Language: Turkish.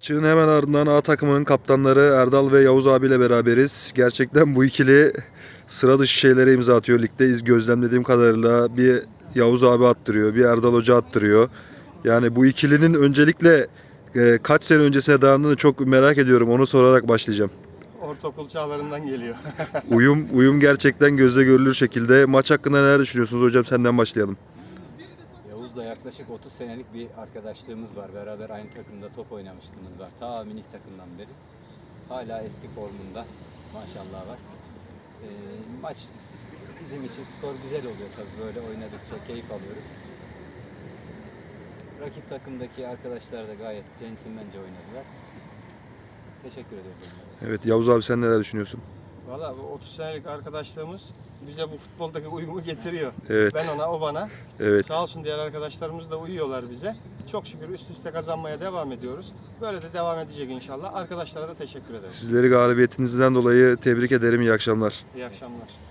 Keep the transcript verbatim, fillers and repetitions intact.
Maçın hemen ardından A takımının kaptanları Erdal ve Yavuz abiyle beraberiz. Gerçekten bu ikili sıra dışı şeylere imza atıyor. Ligde iz gözlemlediğim kadarıyla bir Yavuz abi attırıyor, bir Erdal Hoca attırıyor. Yani bu ikilinin öncelikle e, kaç sene öncesine dayandığını çok merak ediyorum. Onu sorarak başlayacağım. Ortaokul çağlarından geliyor. Uyum uyum gerçekten gözle görülür şekilde. Maç hakkında neler düşünüyorsunuz hocam? Senden başlayalım. Yavuz'la yaklaşık otuz senelik bir arkadaşlığımız var. Beraber aynı takımda top oynamışlığımız var. Ta minik takımdan beri. Hala eski formunda. Maşallah var. Ee, maç bizim için skor güzel oluyor tabii. Böyle oynadıkça keyif alıyoruz. Rakip takımdaki arkadaşlar da gayet centilmence oynadılar. Teşekkür ediyoruz onlara. Evet Yavuz abi sen neler düşünüyorsun? Valla bu otuz senelik arkadaşlığımız bize bu futboldaki uyumu getiriyor. Evet. Ben ona, o bana. Evet. Sağ olsun diğer arkadaşlarımız da uyuyorlar bize. Çok şükür üst üste kazanmaya devam ediyoruz. Böyle de devam edecek inşallah. Arkadaşlara da teşekkür ederim. Sizleri galibiyetinizden dolayı tebrik ederim. İyi akşamlar. İyi akşamlar.